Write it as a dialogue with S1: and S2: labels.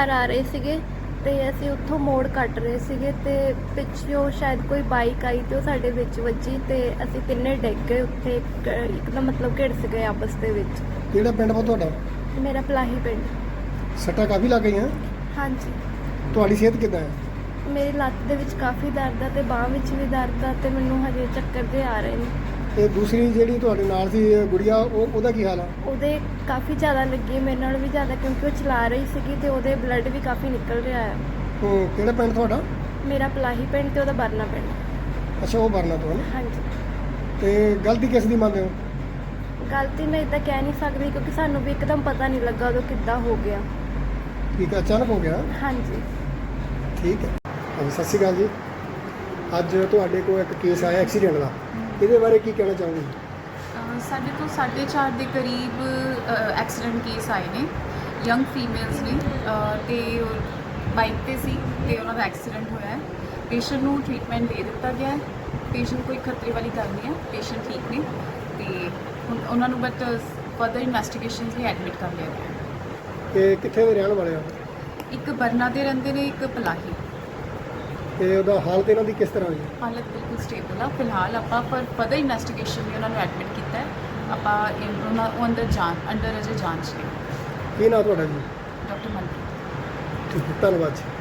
S1: ਘਰ ਆ ਰਹੇ ਸੀਗੇ ਤੇ ਅਸੀਂ ਉੱਥੋਂ ਮੋੜ ਕੱਟ ਰਹੇ ਸੀਗੇ ਤੇ ਪਿੱਛੋਂ ਸ਼ਾਇਦ ਕੋਈ ਬਾਈਕ ਆਈ ਤੇ ਉਹ ਸਾਡੇ ਵਿੱਚ ਵੱਜੀ ਤੇ ਅਸੀਂ ਤਿੰਨੇ ਡਿੱਗ ਗਏ ਉੱਥੇ ਇੱਕਦਮ ਮਤਲਬ ਘਿੜਸ ਗਏ ਆਪਸ ਦੇ ਵਿੱਚ।
S2: ਕਿਹੜਾ ਪਿੰਡ ਵਾ ਤੁਹਾਡਾ?
S1: ਮੇਰਾ ਪਲਾਹੀ ਪਿੰਡ।
S2: ਸੱਟਾਂ ਕਾਫੀ ਲੱਗ ਗਈਆਂ?
S1: ਹਾਂਜੀ।
S2: ਤੁਹਾਡੀ ਸਿਹਤ ਕਿੱਦਾਂ ਹੈ?
S1: ਮੇਰੀ ਲੱਤ ਦੇ ਵਿੱਚ ਕਾਫੀ ਦਰਦ ਆ ਤੇ ਬਾਂਹ ਵਿੱਚ ਵੀ ਦਰਦ ਆ ਤੇ ਮੈਨੂੰ ਹਜੇ ਚੱਕਰ ਜਿਹੇ ਆ ਰਹੇ ਨੇ।
S2: ਤੇ ਦੂਸਰੀ ਜਿਹੜੀ ਤੁਹਾਡੇ ਨਾਲ ਸੀ ਗੁੜੀਆ, ਉਹਦਾ ਕੀ ਹਾਲ ਆ?
S1: ਉਹਦੇ ਕਾਫੀ ਜ਼ਿਆਦਾ ਲੱਗੀ, ਮੇਰੇ ਨਾਲ ਵੀ ਜ਼ਿਆਦਾ, ਕਿਉਂਕਿ ਉਹ ਚਲਾ ਰਹੀ ਸੀਗੀ ਤੇ ਉਹਦੇ ਬਲੱਡ ਵੀ ਕਾਫੀ ਨਿਕਲ ਰਿਹਾ ਆ।
S2: ਕਿਹੜਾ ਪਿੰਡ ਤੁਹਾਡਾ?
S1: ਮੇਰਾ ਪਲਾਹੀ ਪਿੰਡ ਤੇ ਉਹਦਾ ਬਰਨਾ ਪਿੰਡ।
S2: ਅੱਛਾ, ਉਹ ਬਰਨਾ ਤੋਂ ਹੈ ਨਾ?
S1: ਹਾਂਜੀ।
S2: ਤੇ ਗਲਤੀ ਕਿਸ ਦੀ ਮੰਨਦੇ ਹੋ?
S1: ਗਲਤੀ ਮੈਂ ਇੱਦਾਂ ਕਹਿ ਨਹੀਂ ਸਕਦੀ ਕਿਉਂਕਿ ਸਾਨੂੰ ਵੀ ਇੱਕਦਮ ਪਤਾ ਨਹੀਂ ਲੱਗਾ ਉਦੋਂ ਕਿੱਦਾਂ ਹੋ ਗਿਆ।
S2: ਠੀਕ ਹੈ, ਅਚਾਨਕ ਹੋ ਗਿਆ?
S1: ਹਾਂਜੀ।
S2: ਠੀਕ ਹੈ। ਹਾਂਜੀ, ਸਤਿ ਸ਼੍ਰੀ ਅਕਾਲ ਜੀ। ਅੱਜ ਤੁਹਾਡੇ ਕੋਲ ਇੱਕ ਕੇਸ ਆਇਆ ਐਕਸੀਡੈਂਟ ਦਾ, ਇਹਦੇ ਬਾਰੇ ਕੀ ਕਹਿਣਾ ਚਾਹੋਗੇ?
S3: ਸਾਡੇ ਤੋਂ 4:30 ਦੇ ਕਰੀਬ ਐਕਸੀਡੈਂਟ ਕੇਸ ਆਏ ਨੇ। ਯੰਗ ਫੀਮੇਲਸ ਨੇ ਤੇ ਬਾਈਕ ਤੇ ਸੀ ਤੇ ਉਹਨਾਂ ਦਾ ਐਕਸੀਡੈਂਟ ਹੋਇਆ ਹੈ। ਪੇਸ਼ੈਂਟ ਨੂੰ ਟ੍ਰੀਟਮੈਂਟ ਦੇ ਦਿੱਤਾ ਗਿਆ ਹੈ। ਪੇਸ਼ੈਂਟ ਕੋਈ ਖਤਰੇ ਵਾਲੀ ਗੱਲ ਨਹੀਂ ਹੈ, ਪੇਸ਼ੈਂਟ ਠੀਕ ਨੇ ਤੇ ਹੁਣ ਉਹਨਾਂ ਨੂੰ ਬਟ ਫਰਦਰ ਇਨਵੈਸਟੀਗੇਸ਼ਨਸ ਲਈ ਐਡਮਿਟ ਕਰ ਲਿਆ ਗਿਆ ਹੈ।
S2: ਤੇ ਕਿੱਥੇ ਦੇ ਰਹਿਣ ਵਾਲੇ ਆ?
S3: ਇੱਕ ਬਰਨਾ ਦੇ ਰਹਿੰਦੇ ਨੇ, ਇੱਕ ਪਲਾਹੀ।
S2: ਤੇ ਉਹਦਾ ਹਾਲਤ ਇਹਨਾਂ ਦੀ ਕਿਸ ਤਰ੍ਹਾਂ ਹੋਈ?
S3: ਹਾਲਤ ਬਿਲਕੁਲ ਸਟੇਬਲ ਆ। ਫਿਲਹਾਲ ਆਪਾਂ ਫਰਦਰ ਇਨਵੈਸਟੀਗੇਸ਼ਨ ਲਈ ਉਹਨਾਂ ਨੂੰ ਐਡਮਿਟ ਕੀਤਾ ਹੈ। ਆਪਾਂ ਉਹ ਅੰਡਰ ਅਜੇ ਜਾਂਚ ਨੇ।
S2: ਕੀ ਨਾਂ ਤੁਹਾਡਾ ਜੀ?
S3: ਡਾਕਟਰ ਮਨਪ੍ਰੀਤ।
S2: ਠੀਕ ਹੈ, ਧੰਨਵਾਦ ਜੀ।